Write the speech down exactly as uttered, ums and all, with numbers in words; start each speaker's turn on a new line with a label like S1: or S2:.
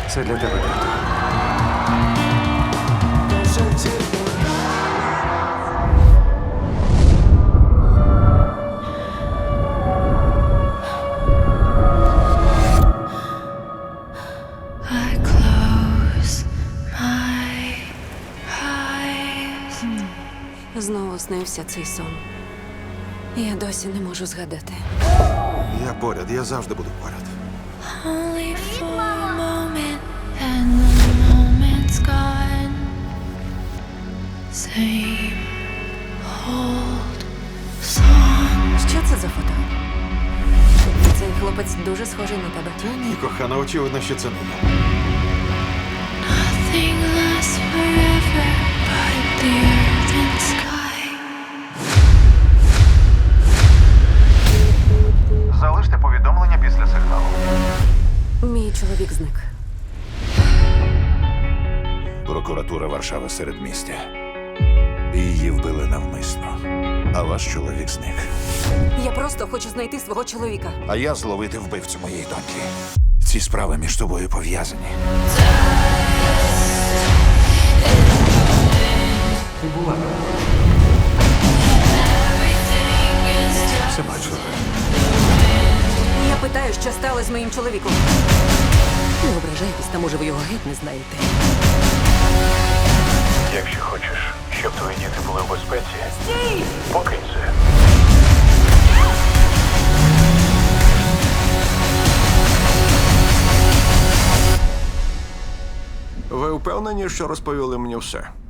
S1: Це для тебе, тато.
S2: I close my eyes.
S3: Знову снився цей сон. Я досі не можу згадати.
S4: Я поряд, я завжди буду поряд.
S2: Only for a moment, and the moment's gone. Same old song.
S3: Що це за фото? Цей хлопець дуже схожий на тебе.
S4: Та ні, кохана, очевидно, що це не я.
S2: Nothing lasts forever but the earth and sky.
S1: Залиште повідомлення після сигналу.
S3: Мій чоловік зник.
S5: Прокуратура Варшави середмістя. Її вбили навмисно. А ваш чоловік зник.
S3: Я просто хочу знайти свого чоловіка.
S5: А я зловити вбивцю моєї доньки. Ці справи між тобою пов'язані.
S1: Ти була.
S5: Все бачила.
S3: Я питаю, що сталося з моїм чоловіком. Не ображайтесь, та може ви його геть не знаєте.
S1: Якщо хочеш, щоб твої діти були в безпеці, Стій! Покинь це.
S6: Ви впевнені, що розповіли мені все?